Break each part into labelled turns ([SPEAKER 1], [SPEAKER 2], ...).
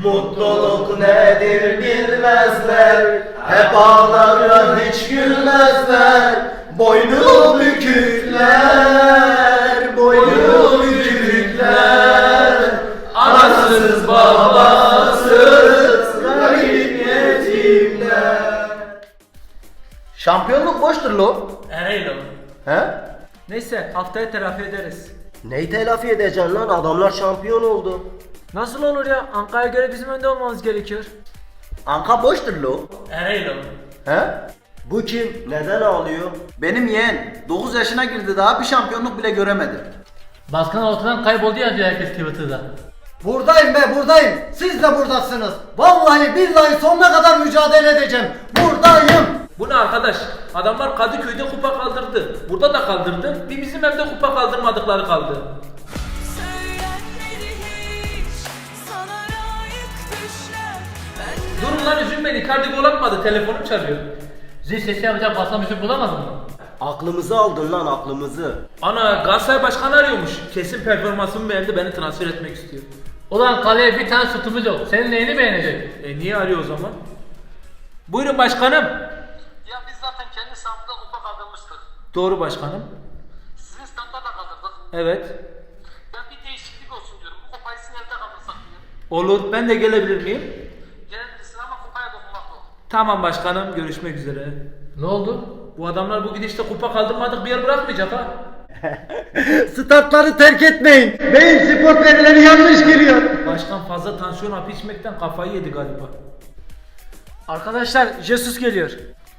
[SPEAKER 1] Mutluluk nedir bilmezler, hep ağlarlar hiç gülmezler. Boynu bükükler, boynu bükükler. Anasız babasız garip yetimler. Şampiyonluk boştur lo.
[SPEAKER 2] Ereğli o.
[SPEAKER 1] He?
[SPEAKER 2] Neyse haftaya telafi ederiz.
[SPEAKER 1] Neyi telafi edeceksin lan? Adamlar şampiyon oldu.
[SPEAKER 2] Nasıl olur ya? Ankara'ya göre bizim önde olmamız gerekiyor.
[SPEAKER 1] Anka boştur lo.
[SPEAKER 2] Ereğli o.
[SPEAKER 1] He? Bu kim? Neden ağlıyor?
[SPEAKER 3] Benim yeğen 9 yaşına girdi, daha bir şampiyonluk bile göremedi.
[SPEAKER 4] Başkan ortadan kayboldu yazıyor herkes Twitter'da.
[SPEAKER 5] Buradayım be, buradayım. Siz de buradasınız. Vallahi billahi sonuna kadar mücadele edeceğim. Buradayım.
[SPEAKER 2] Bu ne arkadaş? Adamlar Kadıköy'de kupa kaldırdı. Burada da kaldırdı. Bir bizim evde kupa kaldırmadıkları kaldı.
[SPEAKER 6] Söylenmedi hiç sana layık düşler. Ben
[SPEAKER 2] Durun lan üzülmeyin. Icardi gol atmadı. Telefonum çalıyor.
[SPEAKER 4] Zil sesi yapacak basan bir şey bulamadın mı?
[SPEAKER 1] Aklımızı aldın lan, aklımızı.
[SPEAKER 2] Ana Galatasaray Başkanı arıyormuş. Kesin performansımı beğendi. Beni transfer etmek istiyor.
[SPEAKER 4] Ulan kaleye bir tane sütumuz yok. Senin neyini beğenecek?
[SPEAKER 2] Niye arıyor o zaman? Buyurun başkanım.
[SPEAKER 7] Ya biz zaten kendi sahamızda kupa kaldırmıştık.
[SPEAKER 2] Doğru başkanım.
[SPEAKER 7] Sizin standda da kaldırdık.
[SPEAKER 2] Evet.
[SPEAKER 7] Ben bir değişiklik olsun diyorum. Bu kupayı sizin evde kaldırsak diyorum.
[SPEAKER 2] Olur. Ben de gelebilir miyim?
[SPEAKER 7] Gelebilirsin ama kupaya dokunmak yok.
[SPEAKER 2] Tamam başkanım. Görüşmek üzere.
[SPEAKER 4] Ne oldu?
[SPEAKER 2] Bu adamlar bu gidişte kupa kaldırmadık bir yer bırakmayacak ha.
[SPEAKER 5] Startları terk etmeyin. Beyin spor verileri yanlış giriyor.
[SPEAKER 2] Başkan fazla tansiyon hapı içmekten kafayı yedi galiba.
[SPEAKER 8] Arkadaşlar Jesus geliyor.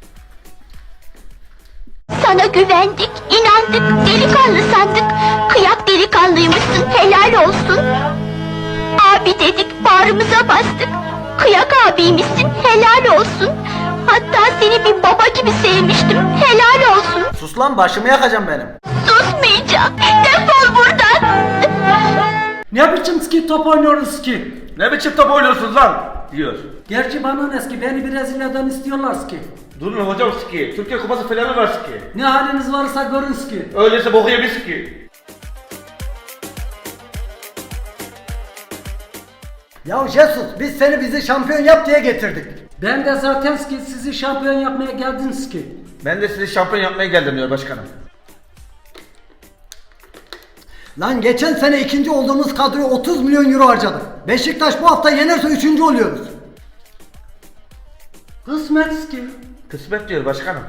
[SPEAKER 9] Sana güvendik, inandık, delikanlı sandık. Kıyak delikanlıymışsın, helal olsun. Abi dedik, bağrımıza bastık. Kıyak abiymişsin, helal olsun. Hatta seni bir baba gibi sevmiştim, helal olsun.
[SPEAKER 3] Sus lan, başımı yakacağım benim.
[SPEAKER 9] Susmayacağım, defol buradan.
[SPEAKER 8] Ne biçim ski top oynuyoruz ki?
[SPEAKER 3] Ne biçim top oynuyorsunuz lan? Diyor.
[SPEAKER 8] Gerçi bana ne ski, beni Brezilya'dan istiyorlar ki.
[SPEAKER 3] Durun hocam ski. Türkiye kupası falan var ski.
[SPEAKER 8] Ne haliniz varsa görün ki.
[SPEAKER 3] Öyleyse boku yemiş ski.
[SPEAKER 5] Ya Jesus, biz seni bizi şampiyon yap diye getirdik.
[SPEAKER 8] Ben de zaten ki sizi şampiyon yapmaya geldiniz ki.
[SPEAKER 3] Ben de sizi şampiyon yapmaya geldim diyor başkanım.
[SPEAKER 5] Lan geçen sene ikinci olduğumuz kadroya 30 milyon euro harcadık. Beşiktaş bu hafta yenerse üçüncü oluyoruz.
[SPEAKER 8] Kısmet ki.
[SPEAKER 3] Kısmet diyor başkanım.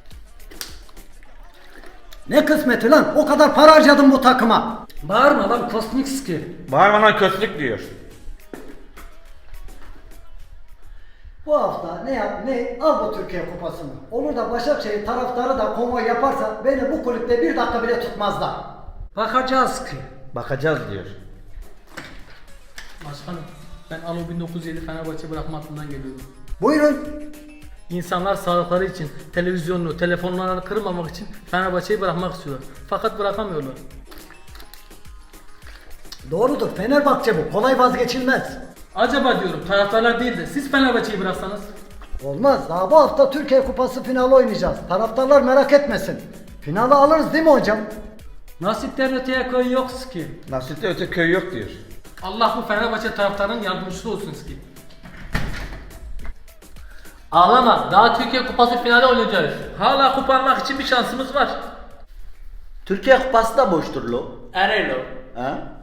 [SPEAKER 5] Ne kısmeti lan? O kadar para harcadım bu takıma.
[SPEAKER 8] Bağırma lan kosmik ski.
[SPEAKER 3] Bağırma lan kötülük diyor.
[SPEAKER 5] Bu hafta ne yap ne al bu Türkiye kupasını. Olur da Başakşehir taraftarı da konvoy yaparsa beni bu kulüpte bir dakika bile tutmazlar.
[SPEAKER 8] Bakacağız ki.
[SPEAKER 3] Bakacağız diyor.
[SPEAKER 4] Başkanım ben Alo 1907 Fenerbahçe bırakma hattından geliyorum.
[SPEAKER 5] Buyurun.
[SPEAKER 4] İnsanlar sağlıkları için televizyonunu, telefonlarını kırmamak için Fenerbahçe'yi bırakmak istiyorlar. Fakat bırakamıyorlar.
[SPEAKER 5] Doğrudur, Fenerbahçe bu. Kolay vazgeçilmez.
[SPEAKER 4] Acaba diyorum taraftarlar değil de siz Fenerbahçe'yi bıraksanız?
[SPEAKER 5] Olmaz. Daha bu hafta Türkiye Kupası finali oynayacağız. Taraftarlar merak etmesin. Finali alırız değil mi hocam?
[SPEAKER 8] Nasipten öteye koy yok ki.
[SPEAKER 3] Nasipte öte köy yok diyor.
[SPEAKER 4] Allah bu Fenerbahçe taraftarının yardımcısı olsun ki. Ağlama, daha Türkiye Kupası finali oynayacağız.
[SPEAKER 2] Hala kupa almak için bir şansımız var.
[SPEAKER 1] Türkiye kupası da boştur lo.
[SPEAKER 2] Ereğli o.
[SPEAKER 1] He?